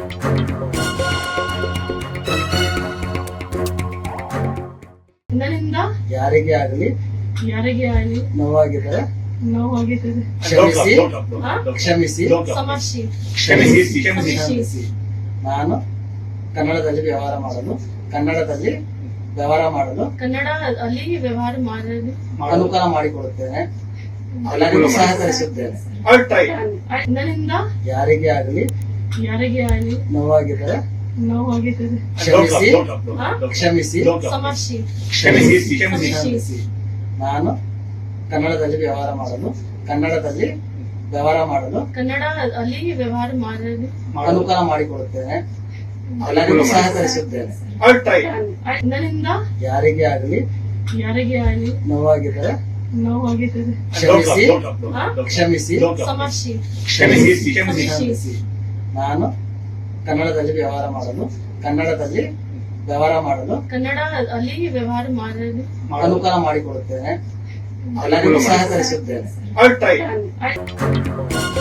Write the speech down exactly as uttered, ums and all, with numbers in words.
ನನ್ನಿಂದ ಯಾರಿಗೆ ಆಗಲಿ ಯಾರಿಗೆ ಆಗಲಿ ನೋವಾಗಿದ್ದರೆ ನೋವಾಗಿದ್ದರೆ ಕ್ಷಮಿಸಿ ಹಾ? ಕ್ಷಮಿಸಿ ಸಮರ್ಶಿ ಕ್ಷಮಿಸಿ ಕ್ಷಮಿಸಿ. ನಾನು ಕನ್ನಡದಲ್ಲಿ ವ್ಯವಹಾರ ಮಾಡಲು ಕನ್ನಡದಲ್ಲಿ ವ್ಯವಹಾರ ಮಾಡಲು ಕನ್ನಡ ಅಲ್ಲಿ ವ್ಯವಹಾರ ಮಾಡಲು ಅನುಕೂಲ ಮಾಡಿಕೊಡುತ್ತೇನೆ. ಎಲ್ಲರಿಗೂ ಸಹಕರಿಸುತ್ತೇನೆ. ನನ್ನಿಂದ ಯಾರಿಗೆ ಆಗಲಿ ಯಾರಿಗೆ ಆಗಲಿ ನೋವಾಗಿದ್ದರೆ ನೋವಾಗಿದ್ದರೆ ಕ್ಷಮಿಸಿ ಹಾ? ಕ್ಷಮಿಸಿ ಸಮರ್ಶಿ ಕ್ಷಮಿಸಿ ಕ್ಷಮಿಸಿ. ನಾನು ಕನ್ನಡದಲ್ಲಿ ವ್ಯವಹಾರ ಮಾಡಲು ಕನ್ನಡದಲ್ಲಿ ವ್ಯವಹಾರ ಮಾಡಲು ಕನ್ನಡ ಅಲ್ಲಿ ವ್ಯವಹಾರ ಮಾಡಲು ಅನುಕೂಲ ಮಾಡಿಕೊಡುತ್ತೇನೆ. ಎಲ್ಲರಿಗೂ ಸಹಕರಿಸುತ್ತೇನೆ. ನನ್ನಿಂದ ಯಾರಿಗೆ ಆಗಲಿ ಯಾರಿಗೆ ಆಗಲಿ ನೋವಾಗಿದ್ದರೆ ನೋವಾಗಿದ್ದರೆ ಕ್ಷಮಿಸಿ ಹಾ? ಕ್ಷಮಿಸಿ ಸಮರ್ಶಿ ಕ್ಷಮಿಸಿ ಕ್ಷಮಿಸಿ. ನಾನು ಕನ್ನಡದಲ್ಲಿ ವ್ಯವಹಾರ ಮಾಡಲು ಕನ್ನಡದಲ್ಲಿ ವ್ಯವಹಾರ ಮಾಡಲು ಕನ್ನಡ ಅಲ್ಲಿ ವ್ಯವಹಾರ ಮಾಡಲು ಅನುಕೂಲ ಮಾಡಿಕೊಡುತ್ತೇನೆ. ಎಲ್ಲರಿಗೂ ಸಹಕರಿಸುತ್ತೇನೆ.